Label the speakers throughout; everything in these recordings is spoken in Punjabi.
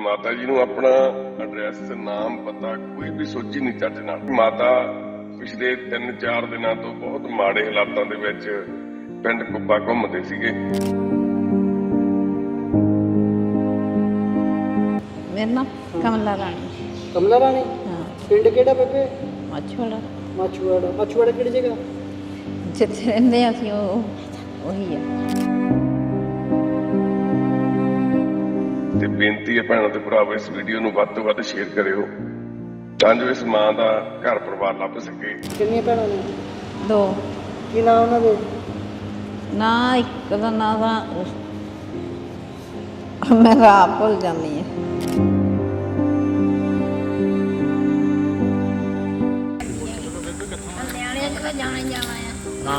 Speaker 1: ਮਾਤਾ ਜੀ ਨੂੰ ਆਪਣਾ ਐਡਰੈਸ, ਨਾਮ, ਪਤਾ ਕੋਈ ਵੀ ਸੋਚੀ ਨਹੀਂ ਚੱਜ ਨਾਲ। ਮਾਤਾ ਪਿਛਲੇ 3-4 ਦਿਨਾਂ ਤੋਂ ਬਹੁਤ ਮਾੜੇ ਹਾਲਾਤਾਂ ਦੇ ਵਿੱਚ ਪਿੰਡ ਕੁੱਬਾ ਘੁੰਮਦੇ ਸੀਗੇ।
Speaker 2: ਮੇਰਾ ਨਾਮ ਕਮਲਾ ਰਾਣੀ।
Speaker 3: ਕਮਲਾ ਰਾਣੀ?
Speaker 2: ਹਾਂ।
Speaker 3: ਪਿੰਡ ਕਿਹੜਾ ਬੇਬੇ?
Speaker 2: ਮਾਛੋੜਾ।
Speaker 3: ਮਾਛੂਵਾੜਾ। ਮਾਛੂਵਾੜਾ ਕਿਹੜੀ ਜਗ੍ਹਾ?
Speaker 2: ਜਿੱਥੇ ਰਹਿੰਦੇ ਅਸੀਂ ਉਹੀ ਆ।
Speaker 1: ਤੇ ਬੇਨਤੀ ਹੈ ਭੈਣਾਂ ਤੇ ਭਰਾਵੋ, ਇਸ ਵੀਡੀਓ ਨੂੰ ਵੱਧ ਤੋਂ ਵੱਧ ਸ਼ੇਅਰ ਕਰਿਓ ਤਾਂ ਜੋ ਇਸ ਮਾਂ ਦਾ ਘਰ ਪਰਿਵਾਰ ਲੱਭ ਸਕੇ।
Speaker 3: ਕਿੰਨੀਆਂ ਭੈਣਾਂ ਨੇ?
Speaker 2: 2।
Speaker 3: ਕੀ ਨਾਂ ਉਹਨਾਂ ਦੇ?
Speaker 2: ਨਾ ਇੱਕ ਦਾ ਨਾਂ ਤਾਂ ਮੈਂ ਆਪ ਭੁੱਲ ਜਾਂਦੀ ਹਾਂ। ਜਾਣਾ ਹੀ ਜਾਣਾ ਆ।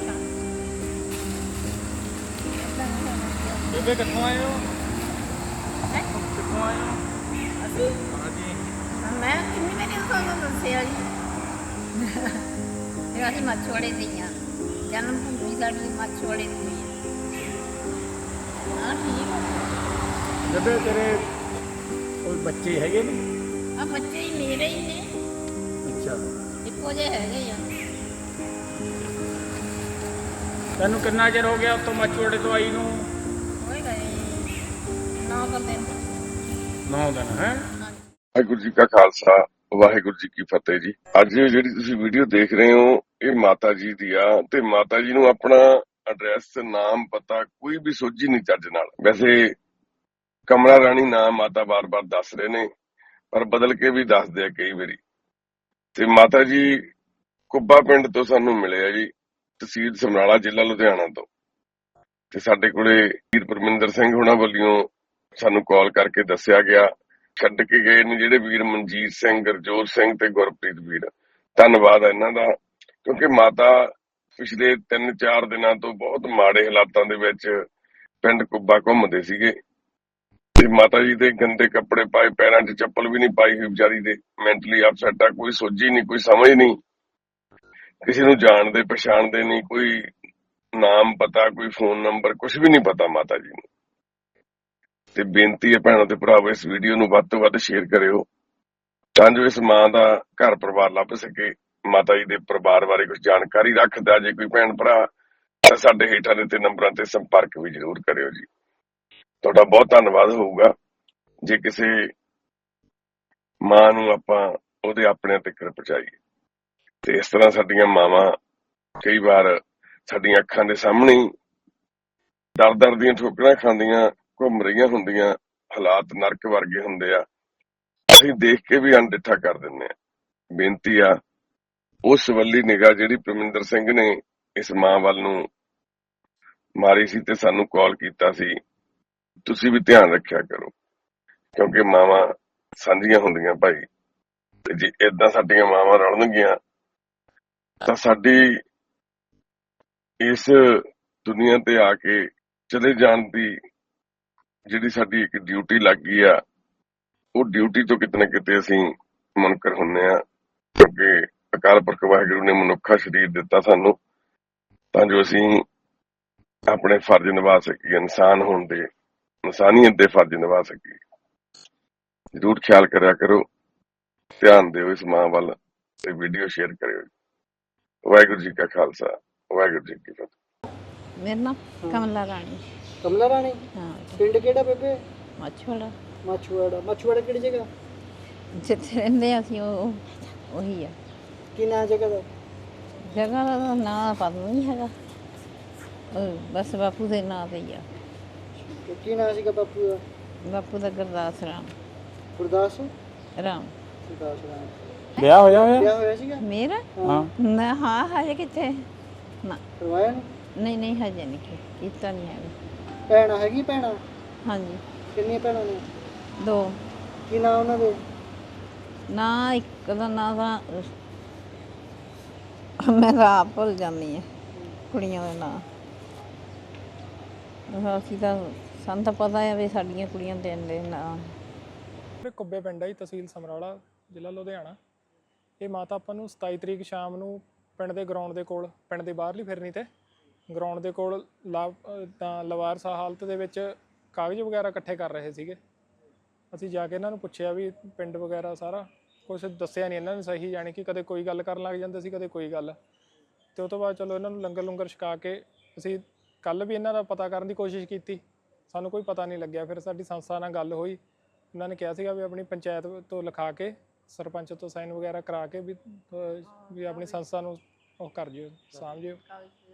Speaker 4: ਬੇਬੇ ਕਿੱਥੋਂ ਆਏ ਹੋ? ਕਿੱਥੋਂ ਆਏ ਹੋ?
Speaker 2: ਅਸੀਂ
Speaker 4: ਹਾਂਜੀ।
Speaker 2: ਮੈਂ ਕਿੰਨੀ ਵਾਰੀ ਤੁਹਾਨੂੰ ਦੱਸਿਆ ਜੀ। ਅਸੀਂ ਮਾਛੋੜੇ ਦੀ ਹਾਂ। ਜਨਮ ਭੂਮੀ ਸਾਡੀ ਮਾਛੋੜੇ ਦੀ ਹੋਈ ਹੈ। ਹਾਂ ਠੀਕ ਆ।
Speaker 4: ਬੇਬੇ ਤੇਰੇ ਕੋਈ ਬੱਚੇ ਹੈਗੇ ਨੇ?
Speaker 2: ਆ ਬੱਚੇ ਹੀ ਮੇਰੇ ਹੀ ਨੇ।
Speaker 4: ਅੱਛਾ।
Speaker 2: ਇੱਕੋ ਜਿਹੇ ਹੈਗੇ ਆ।
Speaker 4: ਤੈਨੂੰ ਕਿੰਨਾ ਚਿਰ ਹੋ ਗਿਆ ਉੱਥੋਂ ਮਾਛੋੜੇ ਤੋਂ ਆਈ ਨੂੰ?
Speaker 2: ਹੋਏ ਗਏ 9 ਦਿਨ।
Speaker 4: 9 ਦਿਨ ਹੈ।
Speaker 1: ਵਾਹਿਗੁਰੂ ਜੀ ਕਾ ਖਾਲਸਾ, ਵਾਹਿਗੁਰੂ ਜੀ ਕੀ ਫਤਿਹ ਜੀ। ਅੱਜ ਜਿਹੜੀ ਤੁਸੀਂ ਵੀਡੀਓ ਦੇਖ ਰਹੇ ਹੋ ਇਹ ਮਾਤਾ ਜੀ ਦੀ ਆ, ਤੇ ਮਾਤਾ ਜੀ ਨੂੰ ਆਪਣਾ ਐਡਰੈਸ, ਨਾਮ, ਪਤਾ ਕੋਈ ਵੀ ਸੋਝੀ ਨਹੀਂ ਚੱਜ ਨਾਲ। ਵੈਸੇ ਕਮਲਾ ਰਾਣੀ ਨਾਮ ਮਾਤਾ ਬਾਰ-ਬਾਰ ਦੱਸ ਰਹੇ ਨੇ, ਪਰ ਬਦਲ ਕੇ ਵੀ ਦੱਸਦੇ ਆ ਕਈ ਵਾਰੀ। ਤੇ ਮਾਤਾ ਜੀ ਕੁੱਬਾ ਪਿੰਡ ਤੋਂ ਸਾਨੂੰ ਮਿਲੇ ਆ ਜੀ, ਤਹਿਸੀਲ ਸਮਰਾਲਾ, ਜ਼ਿਲ੍ਹਾ ਲੁਧਿਆਣਾ ਤੋਂ। ਤੇ ਸਾਡੇ ਕੋਲੇ ਵੀਰ ਪਰਮਿੰਦਰ ਸਿੰਘ ਹੁਣਾਂ ਵੱਲੋਂ ਸਾਨੂੰ ਕਾਲ ਕਰਕੇ ਦੱਸਿਆ ਗਿਆ। ਛੱਡ ਕੇ ਗਏ ਨੇ ਜਿਹੜੇ ਵੀਰ, ਮਨਜੀਤ ਸਿੰਘ, ਗੁਰਜੋਤ ਸਿੰਘ ਤੇ ਗੁਰਪ੍ਰੀਤ ਵੀਰ, ਧੰਨਵਾਦ ਹੈ ਇਹਨਾਂ ਦਾ। ਕਿਉਂਕਿ ਮਾਤਾ ਪਿਛਲੇ 3-4 ਦਿਨਾਂ ਤੋਂ ਬਹੁਤ ਮਾੜੇ ਹਾਲਾਤਾਂ ਦੇ ਵਿੱਚ ਪਿੰਡ ਕੁੱਬਾ ਘੁੰਮਦੇ ਸੀਗੇ। ਤੇ ਮਾਤਾ ਜੀ ਦੇ ਗੰਦੇ ਕੱਪੜੇ ਪਾਏ, ਪੈਰਾਂ 'ਚ ਚੱਪਲ ਵੀ ਨਹੀਂ ਪਾਈ ਹੋਈ ਵਿਚਾਰੀ ਦੇ। ਮੈਂਟਲੀ ਅਪਸੈਟ ਆ, ਕੋਈ ਸੋਝੀ ਨਹੀਂ, ਕੋਈ ਸਮਝ ਨਹੀਂ, ਕਿਸੇ ਨੂੰ ਜਾਣਦੇ ਪਛਾਣਦੇ ਨਹੀਂ, ਕੋਈ ਨਾਮ ਪਤਾ, ਕੋਈ ਫੋਨ ਨੰਬਰ, ਕੁਝ ਵੀ ਨਹੀਂ ਪਤਾ ਮਾਤਾ ਜੀ ਨੂੰ। ਤੇ ਬੇਨਤੀ ਹੈ ਭੈਣਾਂ ਤੇ ਭਰਾਵੋ, ਇਸ ਵੀਡੀਓ ਨੂੰ ਵੱਧ ਤੋਂ ਵੱਧ ਸ਼ੇਅਰ ਕਰਿਓ ਤਾਂ ਜੋ ਇਸ ਮਾਂ ਦਾ ਘਰ ਪਰਿਵਾਰ ਲੱਭ ਸਕੇ। ਮਾਤਾ ਜੀ ਦੇ ਪਰਿਵਾਰ ਬਾਰੇ ਕੁਝ ਜਾਣਕਾਰੀ ਰੱਖਦਾ ਜੇ ਕੋਈ ਭੈਣ ਭਰਾ ਤਾਂ ਸਾਡੇ ਹੇਠਾਂ ਦਿੱਤੇ ਨੰਬਰਾਂ ਤੇ ਸੰਪਰਕ ਵੀ ਜ਼ਰੂਰ ਕਰਿਓ ਜੀ। ਤੁਹਾਡਾ ਬਹੁਤ ਧੰਨਵਾਦ ਹੋਊਗਾ ਜੇ ਕਿਸੇ ਮਾਂ ਨੂੰ ਆਪਾਂ ਉਹਦੇ ਆਪਣਿਆਂ ਤੱਕ ਪਹੁੰਚਾਈਏ। ਤੇ ਇਸ ਤਰ੍ਹਾਂ ਸਾਡੀਆਂ ਮਾਵਾਂ ਕਈ ਵਾਰ ਸਾਡੀਆਂ ਅੱਖਾਂ ਦੇ ਸਾਹਮਣੇ ਦਰ ਦੀਆਂ ਠੋਕਰਾਂ ਖਾਂਦੀਆਂ ਘੁੰਮ ਰਹੀਆਂ ਹੁੰਦੀਆਂ, ਹਾਲਾਤ ਨਰਕ ਵਰਗੇ ਹੁੰਦੇ ਆ, ਅਸੀਂ ਦੇਖ ਕੇ ਵੀ ਅਣਡਿੱਠਾ ਕਰ ਦਿੰਦੇ ਆ। ਬੇਨਤੀ ਆ ਉਸ ਵੱਲੀ ਨਿਗਾਹ ਜਿਹੜੀ ਪਰਮਿੰਦਰ ਸਿੰਘ ਨੇ ਇਸ ਮਾਂ ਵੱਲ ਨੂੰ ਮਾਰੀ ਸੀ ਤੇ ਸਾਨੂੰ ਕਾਲ ਕੀਤਾ ਸੀ, ਤੁਸੀਂ ਵੀ ਧਿਆਨ ਰੱਖਿਆ ਕਰੋ, ਕਿਉਂਕਿ ਮਾਵਾਂ ਸਾਂਝੀਆਂ ਹੁੰਦੀਆਂ ਭਾਈ। ਤੇ ਜੇ ਏਦਾਂ ਸਾਡੀਆਂ ਮਾਵਾਂ ਰਲਣਗੀਆਂ ਤਾਂ ਸਾਡੀ ਇਸ ਦੁਨੀਆ ਤੇ ਆ ਕੇ ਚਲੇ ਜਾਣ ਦੀ ਜਿਹੜੀ ਸਾਡੀ ਇੱਕ ਡਿਊਟੀ ਲੱਗ ਗਈ ਆ, ਉਹ ਡਿਊਟੀ ਤੋਂ ਕਿਤੇ ਨਾ ਕਿਤੇ ਅਸੀਂ ਮੁਨਕਰ ਹੁੰਦੇ ਆ। ਕਿਉਂਕਿ ਅਕਾਲ ਪੁਰਖ ਵਾਹਿਗੁਰੂ ਨੇ ਮਨੁੱਖਾ ਸਰੀਰ ਦਿੱਤਾ ਸਾਨੂੰ ਤਾਂ ਜੋ ਅਸੀਂ ਆਪਣੇ ਫਰਜ਼ ਨਿਭਾ ਸਕੀਏ, ਇਨਸਾਨ ਹੋਣ ਦੇ, ਇਨਸਾਨੀਅਤ ਦੇ ਫਰਜ਼ ਨਿਭਾ ਸਕੀਏ। ਜ਼ਰੂਰ ਖਿਆਲ ਕਰਿਆ ਕਰੋ, ਧਿਆਨ ਦਿਓ ਇਸ ਮਾਂ ਵੱਲ ਤੇ ਵੀਡੀਓ ਸ਼ੇਅਰ ਕਰਿਓ। ਵਾਹਿਗੁਰੂ ਜੀ ਕਾ ਖਾਲਸਾ, ਵਾਹਿਗੁਰੂ ਜੀ ਕੀ ਫਤਿਹ।
Speaker 2: ਮੇਰਾ ਨਾਮ ਕਮਲਾ ਰਾਣੀ।
Speaker 3: ਕਮਲਾ ਰਾਣੀ?
Speaker 2: ਹਾਂ।
Speaker 3: ਪਿੰਡ ਕਿਹੜਾ ਬੇਬੇ?
Speaker 2: ਮਾਛੋੜਾ।
Speaker 3: ਮਾਛੂਵਾੜਾ। ਮਾਛੂਵਾੜਾ ਕਿਹੜੀ ਜਗ੍ਹਾ?
Speaker 2: ਜਿੱਥੇ ਰਹਿੰਦੇ ਅਸੀਂ ਉਹੀ ਆ।
Speaker 3: ਕੀ ਨਾਂ ਜਗ੍ਹਾ ਦਾ?
Speaker 2: ਜਗ੍ਹਾ ਦਾ ਨਾਂ ਪਤਾ ਨਹੀਂ ਹੈਗਾ, ਬਸ ਬਾਪੂ ਦੇ ਨਾਂ ਤੇ ਹੀ ਆ।
Speaker 3: ਕੀ ਨਾਂ ਸੀਗਾ ਬਾਪੂ ਦਾ?
Speaker 2: ਬਾਪੂ ਦਾ ਗੁਰਦਾਸ ਰਾਮ।
Speaker 3: ਗੁਰਦਾਸ
Speaker 2: ਰਾਮ।
Speaker 3: ਗੁਰਦਾਸ ਰਾਮ।
Speaker 4: ਵਿਆਹ ਹੋਇਆ ਹੋਇਆ?
Speaker 3: ਵਿਆਹ ਹੋਇਆ ਸੀਗਾ?
Speaker 2: ਮੇਰਾ?
Speaker 4: ਹਾਂ।
Speaker 2: ਨਾ, ਹਾਂ ਹਜੇ ਕਿੱਥੇ ਨਾ।
Speaker 3: ਕਰਵਾਇਆ ਨਹੀਂ?
Speaker 2: ਨਹੀਂ ਹਜੇ ਨਹੀਂ ਕੀਤਾ ਨਹੀਂ ਹੈਗਾ।
Speaker 3: ਭੈਣਾਂ ਹੈਗੀ? ਭੈਣਾਂ
Speaker 2: ਹਾਂਜੀ।
Speaker 3: ਕਿੰਨੀਆਂ ਭੈਣਾਂ ਨੇ?
Speaker 2: 2।
Speaker 3: ਕੀ ਨਾਂ ਉਹਨਾਂ ਦੇ?
Speaker 2: ਨਾ ਇੱਕ ਦਾ ਨਾਂ ਤਾਂ ਮੈਂ ਆਪ ਭੁੱਲ ਜਾਂਦੀ ਹਾਂ ਕੁੜੀਆਂ ਦੇ ਨਾਂ। ਅਸੀਂ ਤਾਂ ਸਾਨੂੰ ਤਾਂ ਪਤਾ ਹੈ ਵੀ ਸਾਡੀਆਂ ਕੁੜੀਆਂ ਦੇ ਨਾਂ।
Speaker 5: ਕੁੱਬੇ ਪਿੰਡ ਹੈ ਜੀ, ਤਹਿਸੀਲ ਸਮਰਾਲਾ, ਜ਼ਿਲ੍ਹਾ ਲੁਧਿਆਣਾ। ਇਹ ਮਾਤਾ ਆਪਾਂ ਨੂੰ 27 ਤਰੀਕ ਸ਼ਾਮ ਨੂੰ ਪਿੰਡ ਦੇ ਗਰਾਊਂਡ ਦੇ ਕੋਲ, ਪਿੰਡ ਦੇ ਬਾਹਰਲੀ ਫਿਰਨੀ ਤੇ ਗਰਾਊਂਡ ਦੇ ਕੋਲ ਲਵਾਰਸਾ ਹਾਲਤ ਦੇ ਵਿੱਚ ਕਾਗਜ਼ ਵਗੈਰਾ ਇਕੱਠੇ ਕਰ ਰਹੇ ਸੀਗੇ ਅਸੀਂ ਜਾ ਕੇ ਇਹਨਾਂ ਨੂੰ ਪੁੱਛਿਆ ਵੀ ਪਿੰਡ ਵਗੈਰਾ ਸਾਰਾ ਕੁਝ ਦੱਸਿਆ ਨਹੀਂ ਇਹਨਾਂ ਨੇ ਸਹੀ, ਜਾਣੀ ਕਿ ਕਦੇ ਕੋਈ ਗੱਲ ਕਰਨ ਲੱਗ ਜਾਂਦੇ ਸੀ, ਕਦੇ ਕੋਈ ਗੱਲ। ਅਤੇ ਉਹ ਤੋਂ ਬਾਅਦ ਚਲੋ ਇਹਨਾਂ ਨੂੰ ਲੰਗਰ ਲੁੰਗਰ ਛਕਾ ਕੇ ਅਸੀਂ ਕੱਲ੍ਹ ਵੀ ਇਹਨਾਂ ਦਾ ਪਤਾ ਕਰਨ ਦੀ ਕੋਸ਼ਿਸ਼ ਕੀਤੀ, ਸਾਨੂੰ ਕੋਈ ਪਤਾ ਨਹੀਂ ਲੱਗਿਆ। ਫਿਰ ਸਾਡੀ ਸੰਸਥਾ ਨਾਲ ਗੱਲ ਹੋਈ, ਉਹਨਾਂ ਨੇ ਕਿਹਾ ਸੀਗਾ ਵੀ ਆਪਣੀ ਪੰਚਾਇਤ ਤੋਂ ਲਿਖਾ ਕੇ, ਸਰਪੰਚ ਤੋਂ ਸਾਈਨ ਵਗੈਰਾ ਕਰਾ ਕੇ ਵੀ ਆਪਣੀ ਸੰਸਥਾ ਨੂੰ ਉਹ ਕਰ ਜਿਓ, ਸਾਂਭ ਜਿਓ।